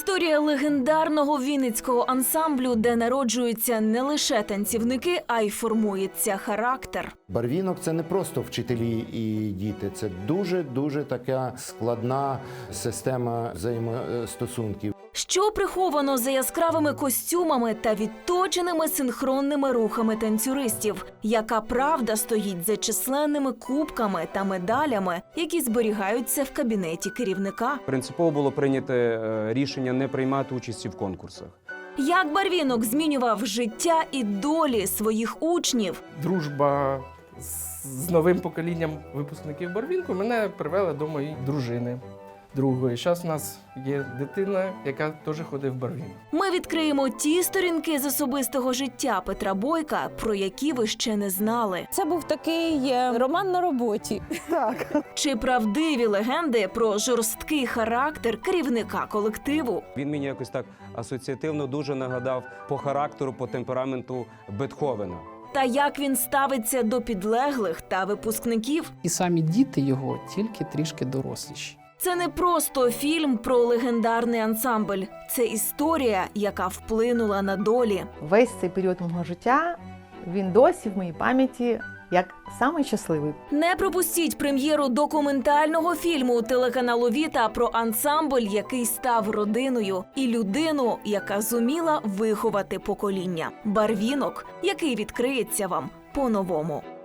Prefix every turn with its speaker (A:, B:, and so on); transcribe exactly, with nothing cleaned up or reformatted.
A: Історія легендарного вінницького ансамблю, де народжуються не лише танцівники, а й формується характер.
B: Барвінок – це не просто вчителі і діти, це дуже-дуже така складна система взаємостосунків.
A: Що приховано за яскравими костюмами та відточеними синхронними рухами танцюристів? Яка правда стоїть за численними кубками та медалями, які зберігаються в кабінеті керівника?
C: Принципово було прийнято рішення не приймати участі в конкурсах.
A: Як Барвінок змінював життя і долі своїх учнів?
D: Дружба з новим поколінням випускників Барвінку мене привела до моєї дружини. Другої. Зараз у нас є дитина, яка теж ходить в Барвінок.
A: Ми відкриємо ті сторінки з особистого життя Петра Бойка, про які ви ще не знали.
E: Це був такий роман на роботі.
D: Так.
A: Чи правдиві легенди про жорсткий характер керівника колективу?
C: Він мені якось так асоціативно дуже нагадав по характеру, по темпераменту Бетховена.
A: Та як він ставиться до підлеглих та випускників?
F: І самі діти його тільки трішки доросліші.
A: Це не просто фільм про легендарний ансамбль. Це історія, яка вплинула на долі.
G: Весь цей період мого життя, він досі в моїй пам'яті як самий щасливий.
A: Не пропустіть прем'єру документального фільму телеканалу Віта про ансамбль, який став родиною, і людину, яка зуміла виховати покоління. Барвінок, який відкриється вам по-новому.